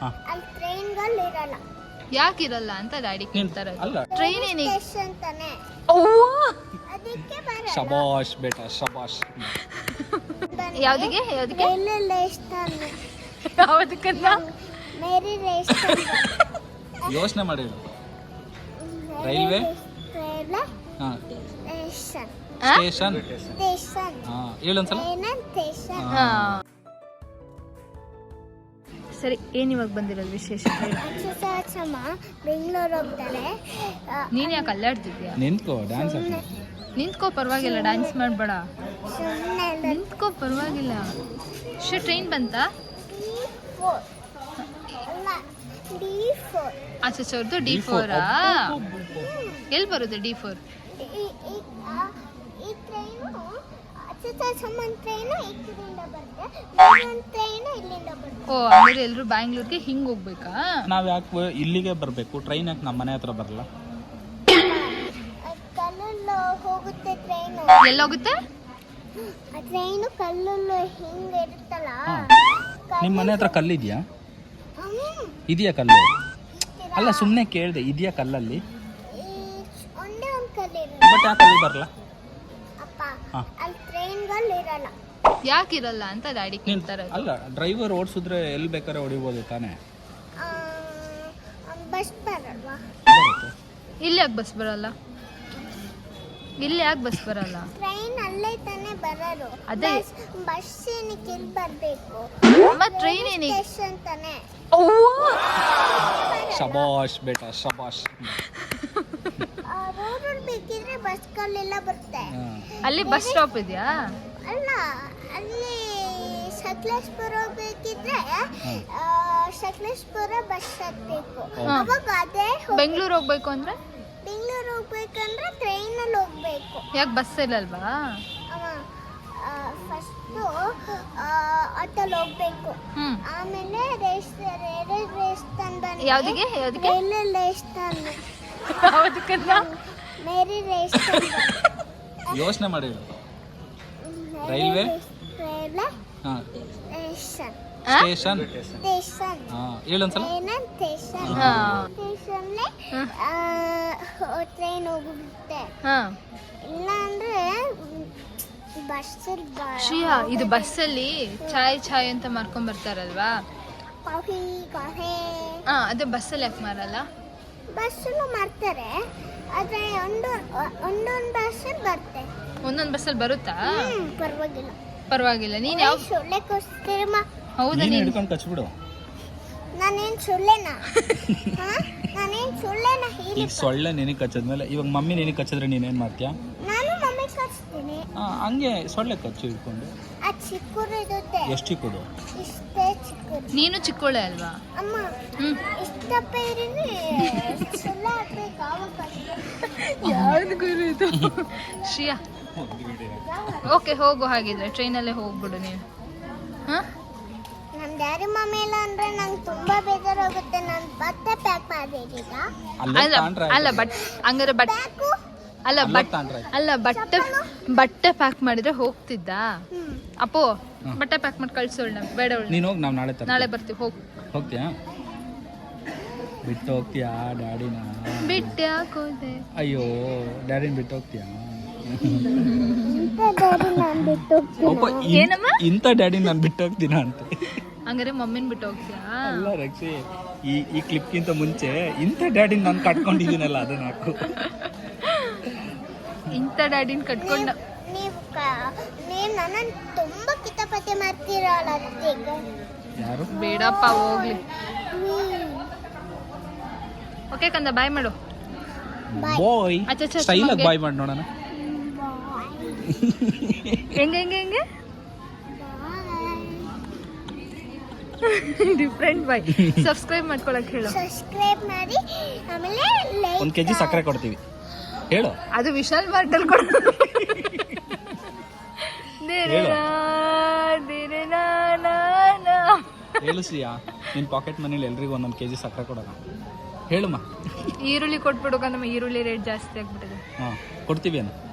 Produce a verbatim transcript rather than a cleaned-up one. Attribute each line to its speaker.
Speaker 1: ಅಲ್ಲಿ ಟ್ರೈನ್ಗಳು ಇರಲ್ಲ.
Speaker 2: ಯಾಕಿರಲ್ಲ ಅಂತ ಡ್ಯಾಡಿ ಕೇಳ್ತಾರೆ. ಟ್ರೈನ್ ಏನಿಗೆ
Speaker 1: ಅಂತಾನೆ ಅದಕ್ಕೆ ಬರಲ್ಲ.
Speaker 3: ಶಬಾಷ್ ಬೇಟಾ ಶಬಾಷ್.
Speaker 2: ಯಾವ್ದಿಗೆ ಯಾವ್ದಿಗೆ
Speaker 1: ರೈಲ್ವೆ ಸ್ಟೇಷನ್
Speaker 2: ಯಾವ್ದಕ್ಕಲ್ಲ
Speaker 1: ಮೇರಿ ಸ್ಟೇಷನ್
Speaker 3: ಯೋಚನೆ ಮಾಡಿ. ರೈಲ್ವೆ
Speaker 1: ರೈಲ್ವೆ
Speaker 3: ಹಾ
Speaker 1: ಸ್ಟೇಷನ್
Speaker 3: ಸ್ಟೇಷನ್
Speaker 1: ಸ್ಟೇಷನ್
Speaker 3: ಹಾ ಹೇಳೊಂದ್ಸಲ.
Speaker 1: ಸ್ಟೇಷನ್.
Speaker 2: ಹಾ ಸರಿ, ಏನ್ ಇವಾಗ ಬಂದಿರೋದು ವಿಶೇಷ?
Speaker 1: ಅಚ್ಚಮ್ಮ ಬೆಂಗಳೂರು ಹೋಗ್ತಾರೆ.
Speaker 2: ನೀನ್ ಯಾಕೆ ಅಲ್ಲಾಡ್ತಿದ್ಯಾ?
Speaker 3: ನಿಂತ್ಕೋ ಡ್ಯಾನ್ಸ್
Speaker 2: ನಿಂತ್ಕೋ, ಪರವಾಗಿಲ್ಲ, ಡ್ಯಾನ್ಸ್ ಮಾಡ್ಬೇಡ.
Speaker 1: ಸುಮ್ಮನೆ
Speaker 2: ನಿಂತ್ಕೋ, ಪರವಾಗಿಲ್ಲ. ಶೋ ಟ್ರೈನ್ ಬಂತಾ?
Speaker 1: D four.
Speaker 2: ಆಚೆ ಅವ್ರದ್ದು ಡಿ ಫೋರಾ? ಎಲ್ಲಿ ಬರುತ್ತೆ ಡಿ ಫೋರ್?
Speaker 1: ಈ ಟ್ರೈನು ಅಚ್ಚಮ್ಮ ಟ್ರೈನು ಈ ಕಡೆಯಿಂದ ಬರುತ್ತೆ, ಒಂದು ಟ್ರೈನು ಇಲ್ಲಿಂದ ಬರುತ್ತೆ.
Speaker 2: ಓ, ಅಂದ್ರೆ ಎಲ್ಲರೂ ಬ್ಯಾಂಗ್ಳೂರ್ಗೆ ಹಿಂಗ್ ಹೋಗ್ಬೇಕಾ?
Speaker 3: ನಾವ್ ಯಾಕೆ ಇಲ್ಲಿಗೆ ಬರ್ಬೇಕು? ಟ್ರೈನ್ ಯಾಕೆ ನಮ್ಮ ಮನೆ ಹತ್ರ ಬರಲ್ಲ?
Speaker 1: ಕಲ್ಲಲ್ಲಿ ಹೋಗುತ್ತೆ ಟ್ರೈನು.
Speaker 2: ಎಲ್ಲೋಗುತ್ತೆ
Speaker 1: ಆ ಟ್ರೈನು ಕಲ್ಲಲ್ಲಿ ಹಿಂಗೆ ಇರುತ್ತಲ್ಲ.
Speaker 3: ನಿಮ್ಮ ಮನೆ ಹತ್ರ ಕಲ್ಲಿದ್ಯಾ? ಇದೆಯಾ ಕಲ್ಲು? ಅಲ್ಲ, ಸುಮ್ಮನೆ ಕೇಳಿದೆ, ಇದೆಯಾ ಕಲ್ಲಲ್ಲಿ?
Speaker 1: ಒಂದೇ ಒಂದು ಕಲ್ಲಿರುತ್ತೆ.
Speaker 3: ಬಟ್ ಯಾಕೆ ಅಲ್ಲಿ ಬರಲ್ಲ?
Speaker 1: ಅಪ್ಪ ಅಲ್ಲಿ ಟ್ರೈನ್ಗಳು ಇರಲ್ಲ.
Speaker 2: ಯಾಕಿರಲ್ಲ ಅಂತ ಡ್ಯಾಡಿ ಕೇಳ್ತಾರೆ.
Speaker 3: ಅಲ್ಲ, ಡ್ರೈವರ್ ಓಡಿಸಿದ್ರೆ ಎಲ್ಲಿ ಬೇಕಾದ್ರೆ ಹೊಡಿಬೋದು ತಾನೇ?
Speaker 1: ಬಸ್ ಬರಲ್ವಾ?
Speaker 2: ಇಲ್ಲಿ ಯಾಕೆ ಬಸ್ ಬರಲ್ಲ? ಇಲ್ಲಿ ಯಾಕೆ ಬಸ್ ಬರಲ್ಲ?
Speaker 1: ಟ್ರೈನ್ ಅಲ್ಲೇ ತಾನೇ ಬರೋದು.
Speaker 2: ಅದೇ
Speaker 1: ಬಸ್ ಏನಕ್ಕೆ ಇಲ್ಲಿ ಬರಬೇಕು?
Speaker 2: ಮತ್ತೆ ಟ್ರೈನ್ ಏನಿಗೆ
Speaker 1: ಸ್ಟೇಷನ್ ತಾನೇ.
Speaker 3: ಶಬಾಷ್ ಬೇಟಾ ಶಬಾಷ್.
Speaker 1: ರೋಡಲ್ಲಿ ಬೇಕಿದ್ರೆ ಬಸ್ಗಳೆಲ್ಲ ಬರುತ್ತೆ.
Speaker 2: ಅಲ್ಲಿ ಬಸ್ ಸ್ಟಾಪ್ ಇದೆಯಾ?
Speaker 1: ಅಲ್ಲ, ಅಲ್ಲಿ ಸಕಲೇಶ್ಪುರ ಬೇಕಿದ್ರೆ ಸಕಲೇಶ್ಪುರ ಬಸ್ ಹತ್ತಬೇಕು. ಅವಾಗ ಅದೇ
Speaker 2: ಬೆಂಗಳೂರು ಹೋಗ್ಬೇಕು ಅಂದ್ರೆ?
Speaker 1: ಬೆಂಗಳೂರು ಹೋಗ್ಬೇಕಂದ್ರೆ ಟ್ರೈನಲ್ಲಿ ಹೋಗ್ಬೇಕು.
Speaker 2: ಯಾಕೆ ಬಸ್ ಇಲ್ಲಲ್ವಾ?
Speaker 1: ಫಸ್ಟು ಆಟೋಲ್ಲಿ ಹೋಗ್ಬೇಕು. ಆಮೇಲೆ ರೈಲ್ವೆ ಸ್ಟೇಷನ್ ಬಂದು
Speaker 2: ಯಾವ್ದಿಗೆ ಯಾವ್ದಿಗೆ
Speaker 1: ರೈಲ್ವೆ ಸ್ಟೇಷನ್
Speaker 2: ಯಾವ್ದಕ್ಕಲ್ಲ
Speaker 1: ಮೇರಿ ಸ್ಟೇಷನ್.
Speaker 3: ಯೋಚನೆ ಮಾಡಿ. ರೈಲ್ವೆ
Speaker 1: ರೈಲ್ವೆ
Speaker 3: ಹಾ
Speaker 1: ಸ್ಟೇಷನ್
Speaker 3: ಸ್ಟೇಷನ್
Speaker 1: ಸ್ಟೇಷನ್
Speaker 3: ಹಾ ಹೇಳೊಂದ್ಸಲ.
Speaker 1: ಸ್ಟೇಷನ್ ಸ್ಟೇಷನ್ಲೆ ಟ್ರೈನ್ ಹೋಗುತ್ತೆ. ಇಲ್ಲ ಅಂದ್ರೆ ಬಸ್.
Speaker 2: ಶ್ರೀಯಾ, ಇದು ಬಸ್ಸಲ್ಲಿ ಚಾಯ್ ಚಾಯ್ ಅಂತ ಮಾರ್ಕೊಂಡ್ ಬರ್ತಾರಲ್ವಾ?
Speaker 1: ಕಾಫಿ ಕಾಫಿ
Speaker 2: ಹಾ, ಅದೇ ಬಸ್ಸಲ್ಲಿ ಯಾಕೆ ಮಾರಲ್ಲ?
Speaker 1: ಬಸ್ಸನ್ನು ಮಾಡ್ತಾರೆ, ಆದ್ರೆ ಒಂದು ಒಂದೊಂದು ಬಸ್ ಬರುತ್ತೆ.
Speaker 2: ಒಂದೊಂದು ಬಸ್ಸಲ್ಲಿ ಬರುತ್ತಾ?
Speaker 1: ಪರವಾಗಿಲ್ಲ
Speaker 2: ಪರವಾಗಿಲ್ಲ. ನೀನ್ ಯಾವ
Speaker 1: ಸೊಳ್ಳೆ ಕೊಸ್ತಿರಮ್ಮ?
Speaker 2: ಹೌದಾ?
Speaker 3: ನೀನು
Speaker 2: ನೀನ್
Speaker 3: ಹಿಡ್ಕೊಂಡು ಕಚ್ಬಿಡು.
Speaker 1: ನಾನೇನ್ ಸೊಳ್ಳೆನಾ? ನಾನೇನ್ ಸೊಳ್ಳೆನಾ?
Speaker 3: ಈಗ ಸೊಳ್ಳೆ ನಿನಗೆ ಕಚ್ಚದ್ಮೇಲೆ ಇವಾಗ ಮಮ್ಮಿ ನಿನಗೆ ಕಚ್ಚಿದ್ರೆ ನೀನೇನ್ ಮಾಡ್ತೀಯಾ?
Speaker 1: ನಾನು ಮಮ್ಮಿ ಕಚ್ತೀನಿ.
Speaker 3: ಹಂಗೆ ಸೊಳ್ಳೆ ಕಚ್ಚು ಹಿಡ್ಕೊಂಡು.
Speaker 1: ಆ ಚಿಕ್ಕೂರು ಇರುತ್ತೆ.
Speaker 3: ಎಷ್ಟು ಚಿಕ್ಕದು?
Speaker 1: ಇಷ್ಟೇ ಚಿಕ್ಕೂರು.
Speaker 2: ನೀನು ಚಿಕ್ಕೋಳೆ ಅಲ್ವಾ?
Speaker 1: ಅಮ್ಮ
Speaker 2: ಹ್ಮ್
Speaker 1: ಇಷ್ಟಪ್ಪ ಇrini ಸೊಳ್ಳೆ ಹಾಕ್ಬೇಕು. ಆವಾಗ
Speaker 2: ಯಾವ್ದು ಗುರು ಇದು? ಶ್ರೀಯಾ, ಓಕೆ ಹೋಗು. ಹಾಗಿದ್ರೆ ಟ್ರೈನಲ್ಲೇ ಹೋಗ್ಬಿಡು ನೀನು. ಹಾ,
Speaker 1: ನಮ್ಮ ಡ್ಯಾಡಿ ಮಮ್ಮಿ ಇಲ್ಲ ಅಂದ್ರೆ ನಂಗೆ ತುಂಬಾ ಬೇಜಾರಾಗುತ್ತೆ. ನಾನು ಬಟ್ಟೆ ಪ್ಯಾಕ್ ಮಾಡ್ಬೇಕೀಗ.
Speaker 2: ಅಲ್ಲ ಅಲ್ಲ ಬಟ್ ಹಂಗಾರೆ ಬಟ್
Speaker 1: ಪ್ಯಾಕು
Speaker 2: ಅಲ್ಲ ಬಟ್ ಅಲ್ಲ ಬಟ್ಟೆ ಬಟ್ಟೆ ಪ್ಯಾಕ್ ಮಾಡಿದ್ರೆ ಹೋಗ್ತಿದ್ದ? ಅಪ್ಪೋ, ಬಟ್ಟೆ ಪ್ಯಾಕ್ ಮಾಡಿ ಕಳ್ಸೋಳ್. ಬೇಡ,
Speaker 3: ನೀನು ಹೋಗಿ ನಾವು ನಾಳೆ ತರ
Speaker 2: ನಾಳೆ ಬರ್ತೀವಿ. ಹೋಗ್
Speaker 3: ಹೋಗ್ತೀಯಾ? ಬಿಟ್ಟು ಹೋಗ್ತೀಯಾ ಡ್ಯಾಡಿನ?
Speaker 2: ಬಿಟ್ಟು ಯಾಕೋದೆ?
Speaker 3: ಅಯ್ಯೋ, ಡ್ಯಾಡಿನ ಬಿಟ್ಟು ಹೋಗ್ತೀಯಾ?
Speaker 1: ಡ್ಯಾಡಿ ನಾನು ಬಿಟ್ಟು
Speaker 3: ಒಬ್ಬ
Speaker 2: ಏನಮ್ಮ?
Speaker 3: ಇಂಥ ಡ್ಯಾಡಿ ನಾನು ಬಿಟ್ಟು ಹೋಗ್ತೀನ ಅಂತ.
Speaker 2: ಹಂಗಾರೆ ಮಮ್ಮಿನ ಬಿಟ್ಟು ಹೋಗ್ತೀಯಾ?
Speaker 3: ಅಲ್ಲ ರಕ್ಷಿ, ಈ ಈ ಕ್ಲಿಪ್ಗಿಂತ ಮುಂಚೆ ಇಂಥ ಡ್ಯಾಡಿನ ನಾನು ಕಟ್ಕೊಂಡಿದ್ದೀನಲ್ಲ, ಅದನ್ನ ಹಾಕು.
Speaker 2: ಇಂಥ ಡ್ಯಾಡಿನ ಕಟ್ಕೊಂಡ
Speaker 1: ನೀವು ನೀವು ನನ್ನನ್ನು ತುಂಬಾ ಕಿತಾಪತಿ ಮಾಡ್ತೀರಲ್ಲ ಅದಕ್ಕೆ.
Speaker 3: ಯಾರು?
Speaker 2: ಬೇಡಪ್ಪ, ಹೋಗ್ಲಿ. ಓಕೆ ಕಂದ, ಬಾಯ್ ಮಾಡು.
Speaker 3: ಬಾಯ್.
Speaker 2: ಅಚ್ಚ ಅಚ್ಚ
Speaker 3: ಸ್ಟೈಲ್ ಆಗಿ ಬಾಯ್ ಮಾಡಿ ನೋಡೋಣ.
Speaker 2: ಹೆಂಗೆ ಹೆಂಗೆ ಹೆಂಗೆ ಡಿಫ್ರೆಂಟ್ ಬಾಯ್. ಸಬ್ಸ್ಕ್ರೈಬ್ ಮಾಡ್ಕೊಳಕ್ ಹೇಳು.
Speaker 1: ಸಬ್ಸ್ಕ್ರೈಬ್ ಮಾಡಿ, ಆಮೇಲೆ ಲೈಕ್.
Speaker 3: ಒಂದು ಕೆಜಿ ಸಕ್ಕರೆ ಕೊಡ್ತೀವಿ ಹೇಳು.
Speaker 2: ಅದು ವಿಶಾಲ್ ಮಾರ್ಟಲ್ ಕೊಡು.
Speaker 3: ಹೇಳು ಶ್ರೀಯಾ, ನಿನ್ನ ಪಾಕೆಟ್ ಮನೇಲಿ ಎಲ್ರಿಗೂ ಒಂದೊಂದು ಕೆಜಿ ಸಕ್ಕರೆ ಕೊಡೋಣ. ಹೇಳುಮ್ಮ.
Speaker 2: ಈರುಳ್ಳಿ ಕೊಟ್ಬಿಡು, ನಮ್ಮ ಈರುಳ್ಳಿ ರೇಟ್ ಜಾಸ್ತಿ ಆಗ್ಬಿಟ್ಟಿದೆ.
Speaker 3: ಹಾಂ, ಕೊಡ್ತೀವಿ ಅನ್ನ.